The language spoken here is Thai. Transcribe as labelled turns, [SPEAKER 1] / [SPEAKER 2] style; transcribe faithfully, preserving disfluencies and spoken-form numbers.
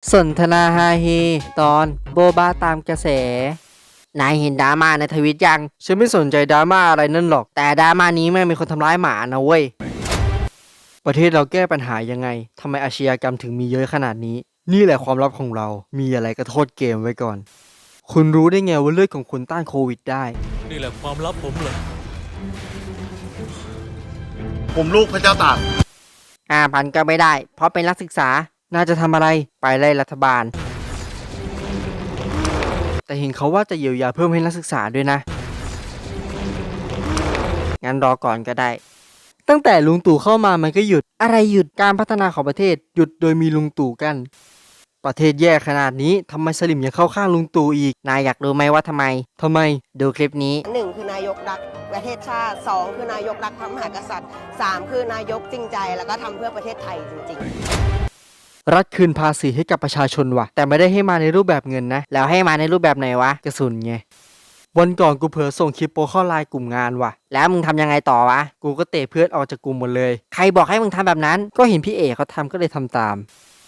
[SPEAKER 1] สนทนาฮาเฮตอนโบบาตามกระแสนายเห็นดราม่าในทวิตยังฉันไม่สนใจดราม่าอะไรนั่นหรอกแต่ดราม่านี้แม่งมีคนทำร้ายหมานะเว้ยประเทศเราแก้ปัญหายังไงทำไมอาชญากรรมถึงมีเยอะขนาดนี้นี่แหละความลับของเรามีอะไรก็โทษเกมไว้ก่อนคุณรู้ได้ไงว่าเลือดของคุณต้านโควิดได้
[SPEAKER 2] นี่แหละความลับผมเหรอ
[SPEAKER 3] ผมลูกพระเจ้าตาก
[SPEAKER 1] ห้าพันก็ไม่ได้เพราะเป็นนักศึกษาน่าจะทำอะไรไปไล่รัฐบาลแต่เห็นเขาว่าจะเยียวยาเพิ่มให้นักศึกษาด้วยนะงั้นรอก่อนก็ได้ตั้งแต่ลุงตู่เข้ามามันก็หยุดอะไรหยุดการพัฒนาของประเทศหยุดโดยมีลุงตู่กันประเทศแย่ขนาดนี้ทำไมสลิมยังเข้าข้างลุงตู่อีกนายอยากรู้ไหมว่าทำไมทำไมดูคลิปนี้
[SPEAKER 4] หนึ่งคือนายกรักประเทศชาติสองคือนายกรักพระมหากษัตริย์สามคือนายกจริงใจแล้วก็ทำเพื่อประเทศไทยจริงๆ
[SPEAKER 1] รัฐคืนภาษีให้กับประชาชนว่ะแต่ไม่ได้ให้มาในรูปแบบเงินนะแล้วให้มาในรูปแบบไหนวะกระสุนไงวันก่อนกูเผลอส่งคลิปโปเข้าไลน์กลุ่มงานว่ะแล้วมึงทำยังไงต่อวะกูก็เตะเพื่อนออกจากกลุ่มหมดเลยใครบอกให้มึงทำแบบนั้นก็เห็นพี่เอกเขาทำก็เลยทำตาม